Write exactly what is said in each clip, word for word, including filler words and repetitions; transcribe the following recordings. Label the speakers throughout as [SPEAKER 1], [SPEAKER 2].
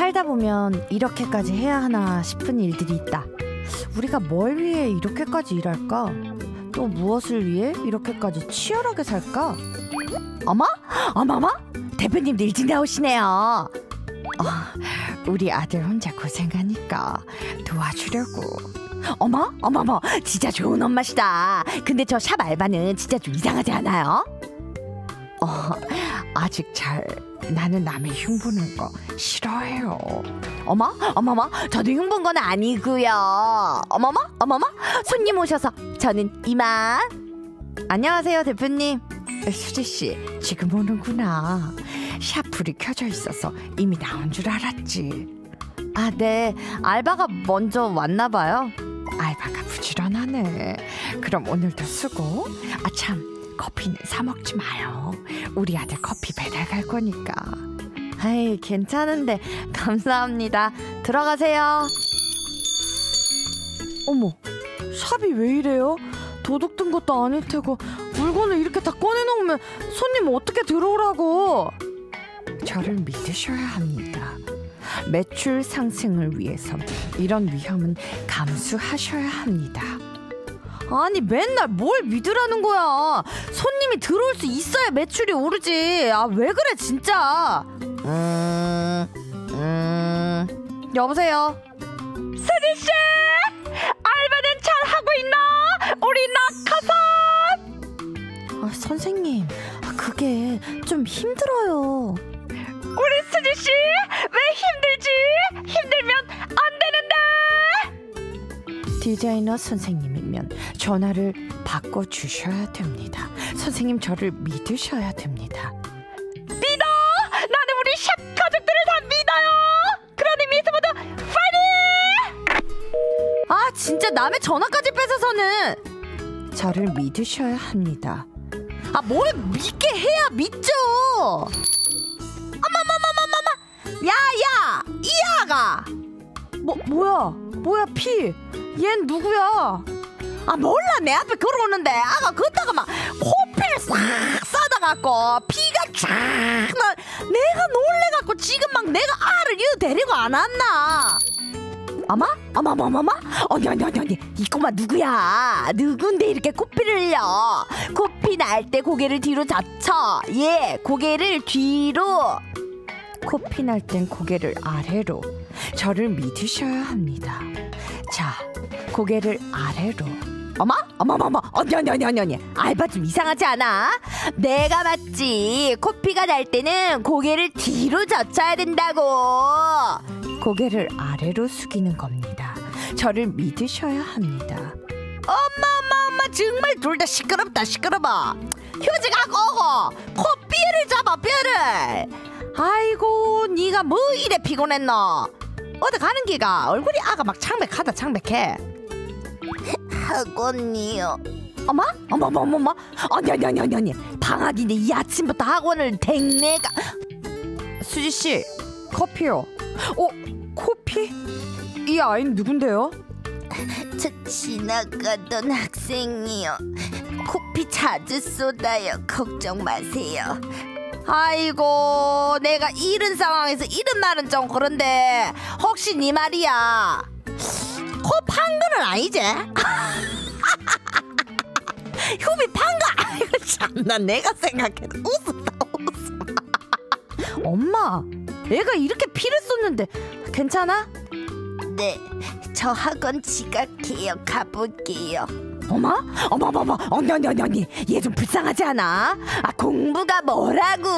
[SPEAKER 1] 살다 보면 이렇게까지 해야 하나 싶은 일들이 있다. 우리가 뭘 위해 이렇게까지 일할까? 또 무엇을 위해 이렇게까지 치열하게 살까? 어머? 어머머? 대표님도 일찍 나오시네요. 어, 우리 아들 혼자 고생하니까 도와주려고. 어머? 어머머, 진짜 좋은 엄마시다. 근데 저 샵 알바는 진짜 좀 이상하지 않아요? 어, 아직 잘 나는 남의 흉보는 거 싫어해요. 어머? 어머머? 저도 흉본 건 아니고요. 어머머? 어머머? 손님 오셔서 저는 이만. 안녕하세요, 대표님. 수지씨, 지금 오는구나. 샵 불이 켜져 있어서 이미 나온 줄 알았지. 아, 네. 알바가 먼저 왔나 봐요. 알바가 부지런하네. 그럼 오늘도 수고. 아, 참, 커피는 사 먹지 마요. 우리 아들 커피 배달 갈 거니까. 아이, 괜찮은데. 감사합니다. 들어가세요. 어머, 샵이 왜 이래요? 도둑 든 것도 아닐 테고 물건을 이렇게 다 꺼내놓으면 손님 어떻게 들어오라고. 저를 믿으셔야 합니다. 매출 상승을 위해서 이런 위험은 감수하셔야 합니다. 아니, 맨날 뭘 믿으라는 거야. 손님이 들어올 수 있어야 매출이 오르지. 아, 왜 그래 진짜. 음... 음... 여보세요. 수지씨, 알바는 잘하고 있나? 우리 낙하산. 아, 선생님, 그게 좀 힘들어요. 우리 수지씨 왜 힘들지? 힘들면 안 되는데. 디자이너 선생님이면 전화를 바꿔주셔야 됩니다. 선생님, 저를 믿으셔야 됩니다. 믿어! 나는 우리 샵 가족들을 다 믿어요. 그러니 미스모드 파이팅! 아, 진짜 남의 전화까지 뺏어서는. 저를 믿으셔야 합니다. 아, 뭘 믿게 해야 믿죠. 어머머머머머머, 야야, 이아가. 뭐 뭐야? 뭐야 피? 얜 누구야? 아, 몰라. 내 앞에 걸어오는데 아가 걷다가 막 코피를 싹 쏟아갖고 피가 쫙 나. 내가 놀래갖고 지금 막 내가 알을 이어 데리고 안 왔나? 어머? 어머머머머? 언니 언니 언니 언니, 이 꼬마 누구야? 누군데 이렇게 코피를 흘려? 코피 날 때 고개를 뒤로 젖혀. 예, 고개를 뒤로. 코피 날 땐 고개를 아래로. 저를 믿으셔야 합니다. 자, 고개를 아래로. 어머? 어머머머, 언니 언니 언니 언니 언니, 알바 좀 이상하지 않아? 내가 맞지. 코피가 날 때는 고개를 뒤로 젖혀야 된다고. 고개를 아래로 숙이는 겁니다. 저를 믿으셔야 합니다. 엄마 엄마 엄마, 정말 둘 다 시끄럽다 시끄러워. 휴지 갖고 오고 코피를 잡아, 뼈를. 아이고, 네가 뭐 이래 피곤했노? 어디 가는 기가? 얼굴이 아가 막 창백하다 창백해. 학원이요. 어머? 어머머머머, 언니 언니 언니 언니 언니, 방학인데 이 아침부터 학원을 댕내가. 수지씨, 커피요. 어? 코피? 이 아이는 누군데요?
[SPEAKER 2] 저 지나가던 학생이요. 코피 자주 쏟아요. 걱정 마세요.
[SPEAKER 1] 아이고, 내가 이런 상황에서 이런 말은 좀 그런데 혹시 네 말이야 코 판 거는 아니지? 휴비 판 거? 아이고 참나, 내가 생각해도 웃었다 웃어. 엄마, 애가 이렇게 피를 쏟는데 괜찮아?
[SPEAKER 2] 네, 저 학원 지각해요. 가볼게요.
[SPEAKER 1] 어머? 어머머머, 언니 언니 언니 언니, 얘 좀 불쌍하지 않아? 아, 공부가 뭐라고?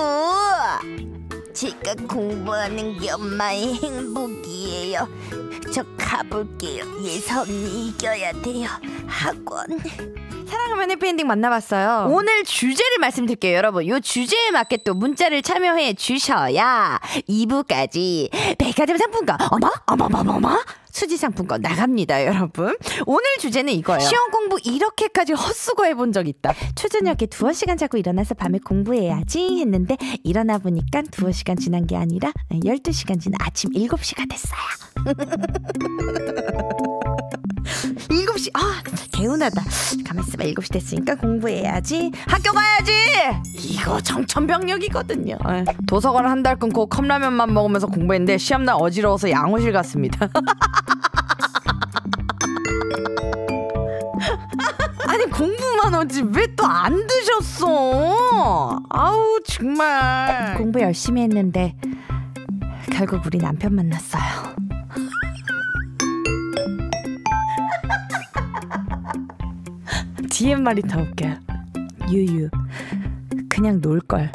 [SPEAKER 2] 제가 공부하는 게 엄마의 행복이에요. 저 가볼게요. 예선이 이겨야 돼요. 학원.
[SPEAKER 1] 사랑하면 해피엔딩 만나봤어요. 오늘 주제를 말씀드릴게요. 여러분, 이 주제에 맞게 또 문자를 참여해 주셔야 이 부까지 백화점 상품권 어머? 어머머머머? 수지 상품권 나갑니다, 여러분. 오늘 주제는 이거예요. 시험 공부 이렇게까지 헛수고 해본 적 있다. 초저녁에 두어 시간 자고 일어나서 밤에 공부해야지 했는데 일어나 보니까 두어 시간 지난 게 아니라 열두 시간 지난 아침 일곱 시가 됐어요. 일곱 시, 아, 개운하다. 가만 있어봐. 일곱 시 됐으니까 공부해야지. 학교 가야지. 이거 정천벽력이거든요. 도서관 한 달 끊고 컵라면만 먹으면서 공부했는데 시험날 어지러워서 양호실 갔습니다. 아니 공부만 오지 왜 또 안 드셨어? 아우 정말. 공부 열심히 했는데 결국 우리 남편 만났어요. 디엠말이 더 웃겨요. 유유 그냥 놀걸.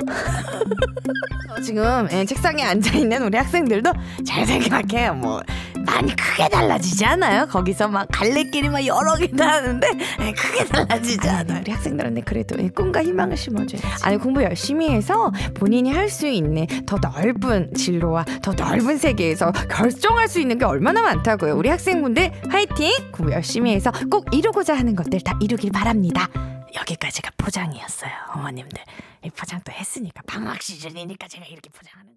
[SPEAKER 1] 지금 예, 책상에 앉아있는 우리 학생들도 잘 생각해요. 뭐 많이 크게 달라지지 않아요. 거기서 막 갈래길이 막 여러 개 나는데 예, 크게 달라지지 않아요. 우리 학생들한테 그래도 예, 꿈과 희망을 심어줘야지. 아니 공부 열심히 해서 본인이 할 수 있는 더 넓은 진로와 더 넓은 세계에서 결정할 수 있는 게 얼마나 많다고요. 우리 학생분들 화이팅! 공부 열심히 해서 꼭 이루고자 하는 것들 다 이루길 바랍니다. 여기까지가 포장이었어요. 어머님들 이 포장 또 했으니까 방학 시즌이니까 제가 이렇게 포장하는